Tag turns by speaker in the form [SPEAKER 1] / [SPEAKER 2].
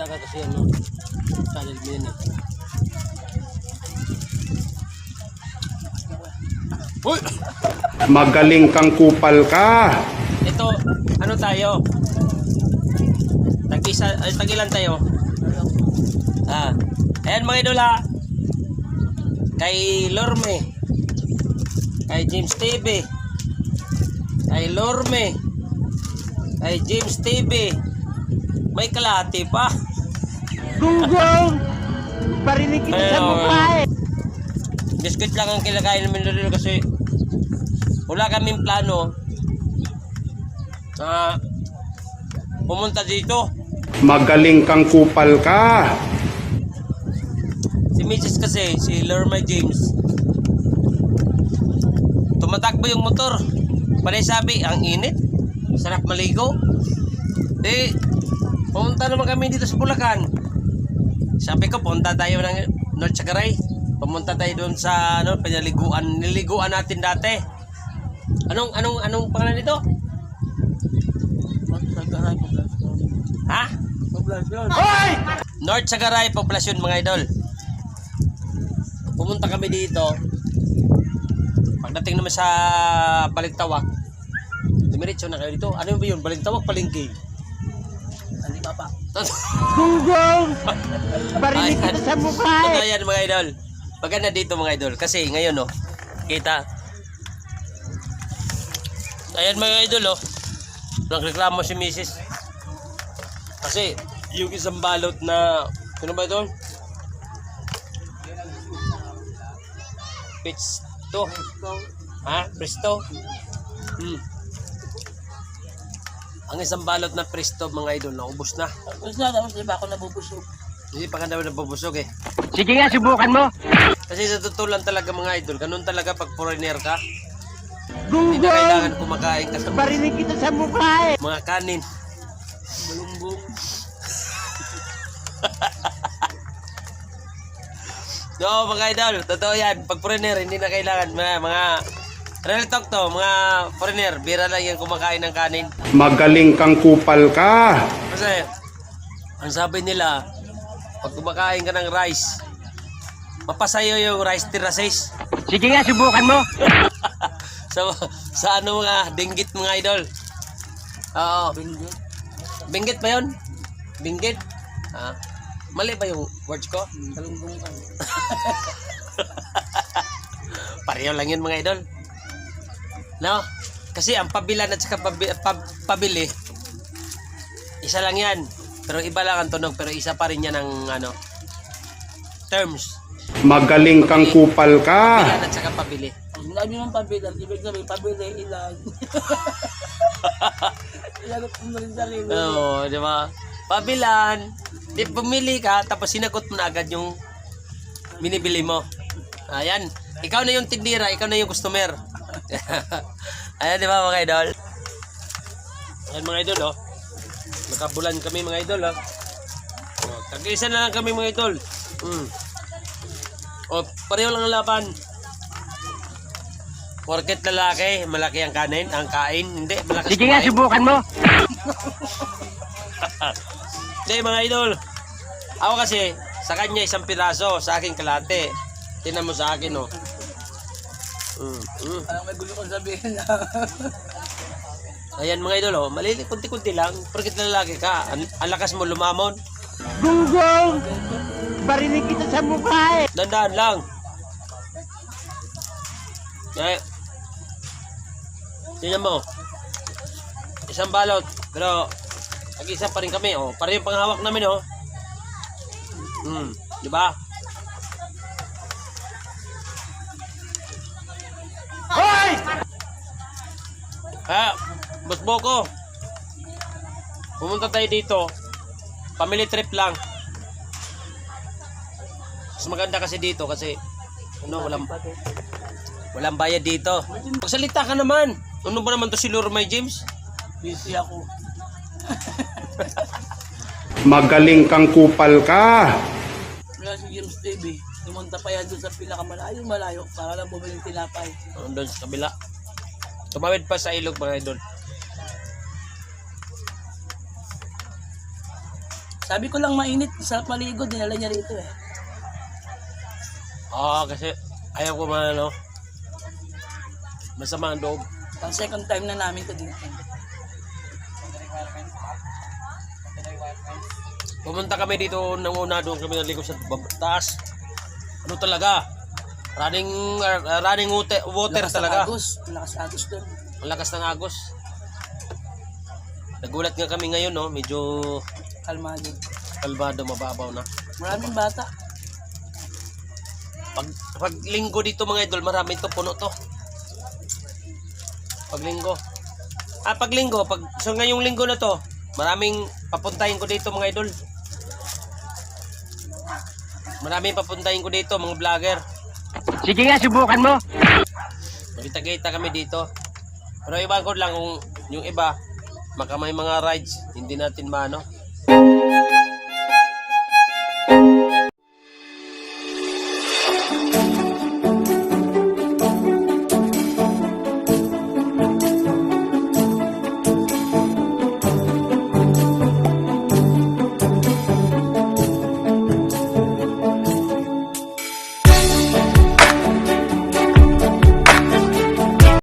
[SPEAKER 1] ka kasi ano, channel mo yan eh. Uy!
[SPEAKER 2] Magaling kang kupal ka.
[SPEAKER 1] Ito, ano tayo? Tagilan tayo. Ayan mga idol ha. Kay Lorme. Kay James TV. Kay Lorme. Kay James TV. May kalahati pa.
[SPEAKER 3] Gunggong! Parinig kita sa mukha eh.
[SPEAKER 1] Biscuit lang ang kilakain namin dito kasi wala kaming plano na pumunta dito.
[SPEAKER 2] Magaling kang kupal ka.
[SPEAKER 1] Si Mrs. kasi, si Lorma James, tumatakbo yung motor. Panay sabi, ang init, sarap maligo. Pumunta naman kami dito sa Bulacan. Sabi ko, punta tayo ng North Sagaray. Pumunta tayo doon sa ano, niliguan natin dati. Anong pangalan nito? Ha?
[SPEAKER 3] Hoy!
[SPEAKER 1] North Sagaray Poblasyon mga idol. Pumunta kami dito. Pagdating naman sa Balintawak, dumiretso na kayo dito. Ano ba yun? Balintawak, Palengke. Hindi pa.
[SPEAKER 3] Gunggong! Parinig kita sa mukha eh.
[SPEAKER 1] Ayan mga idol. Maganda dito mga idol. Kasi ngayon no, kita. Ayan mga idol oh. Nagreklamo si Mrs. Kasi yung isang balot na ano ba ito? Presto. Ha? Presto? Ang isang balot na presto mga idol naubos na.
[SPEAKER 3] Tapos na, di ba ako nabubusog?
[SPEAKER 1] Hindi pa ka naman nabubusog eh.
[SPEAKER 3] Sige nga, subukan mo.
[SPEAKER 1] Kasi sa totoo lang talaga mga idol, ganun talaga pag foreigner ka. Hindi na kailangan kumakain ka sa
[SPEAKER 3] Parinig kita sa mukha eh.
[SPEAKER 1] mga kanin. Balumbong. No, mga idol, totoo yan. Pag foreigner, hindi na kailangan. Mga real talk to, mga foreigner, bira lang yan kumakain ng kanin.
[SPEAKER 2] Magaling kang kupal ka.
[SPEAKER 1] Kasi, ang sabi nila, pag kumakain ka ng rice, mapasayo yung rice terraces.
[SPEAKER 3] Sige nga, subukan mo.
[SPEAKER 1] Sa ano mga binggit mga idol. Oo. Binggit ba yun? Binggit? Mali ba yung words ko? Pareho lang yun mga idol. No? Kasi ang pabilan at saka pabili, isa lang yan. Pero iba lang ang tunog, pero isa pa rin yan ang ano, terms.
[SPEAKER 2] Magaling kang kupal ka.
[SPEAKER 1] Pabilan at saka pabili.
[SPEAKER 3] Ang labi ng pabilan, ibig sabihin, pabili ilan. Ilagot mo na rin sarili.
[SPEAKER 1] Oo, di ba? Pabilan, di pumili ka, tapos sinagot mo na agad yung binibili mo. Ayan, ikaw na yung tindira, ikaw na yung customer. Ayan, di ba mga idol? Ayan mga idol, oh. Nakabulan kami mga idol, oh. Tag-isa na lang kami mga idol. O, pareho lang ang laban. Porket lalaki, malaki ang kanin, ang kain, hindi, malakas
[SPEAKER 3] Sige nga, subukan mo.
[SPEAKER 1] Hindi mga idol. Ako kasi, sa kanya isang piraso, sa akin kalate. Tingnan mo sa akin, oh.
[SPEAKER 3] Parang may gulo kong sabihin na.
[SPEAKER 1] Ayan mga idol, oh. Maliliit, kunti-kunti lang. Porket lalaki ka, ang lakas mo lumamon.
[SPEAKER 3] Gunggong! Parinig kita sa mukha eh.
[SPEAKER 1] Dandaan lang. Tingnan mo. Isang balot. Pero, nag-isa pa rin kami. Oh. Para yung panghawak namin. Oh. Di ba?
[SPEAKER 3] Hoy!
[SPEAKER 1] Boss Boko. Pumunta tayo dito. Family trip lang. Mas maganda kasi dito kasi ano, walang bayad dito. Magsalita ka naman. Ano ba naman to si Lormay James?
[SPEAKER 3] Busy ako.
[SPEAKER 2] Magaling kang kupal ka.
[SPEAKER 3] Wala si James TV. Pumunta pa yan doon sa malayo para lang bumili ng tinapay.
[SPEAKER 1] Doon sa kabila. Tumawid pa sa ilog mga idol.
[SPEAKER 3] Sabi ko lang mainit, sarap maligo, dinala niya rito eh.
[SPEAKER 1] Oo, kasi ayaw ko man ano. Masama ang loob.
[SPEAKER 3] Pang second time na namin ito dito.
[SPEAKER 1] Pumunta kami dito nang una, doon kami naligo sa taas. Ano talaga? Running water
[SPEAKER 3] Lakas
[SPEAKER 1] talaga.
[SPEAKER 3] ng agos. Lakas agos doon.
[SPEAKER 1] Ang lakas ng agos. Nagulat nga kami ngayon, no? Medyo
[SPEAKER 3] Kalmado.
[SPEAKER 1] kalmado, mababaw na.
[SPEAKER 3] Maraming bata.
[SPEAKER 1] Pag linggo dito mga idol, marami to, puno to. Pag linggo. Pag linggo, so ngayong linggo na to, maraming papuntahin ko dito mga idol. Maraming papuntahin ko dito mga vlogger.
[SPEAKER 4] Sige nga, subukan mo.
[SPEAKER 1] Magkita-kita kami dito. Pero iba ko lang kung yung iba, may mga rides, hindi natin maano.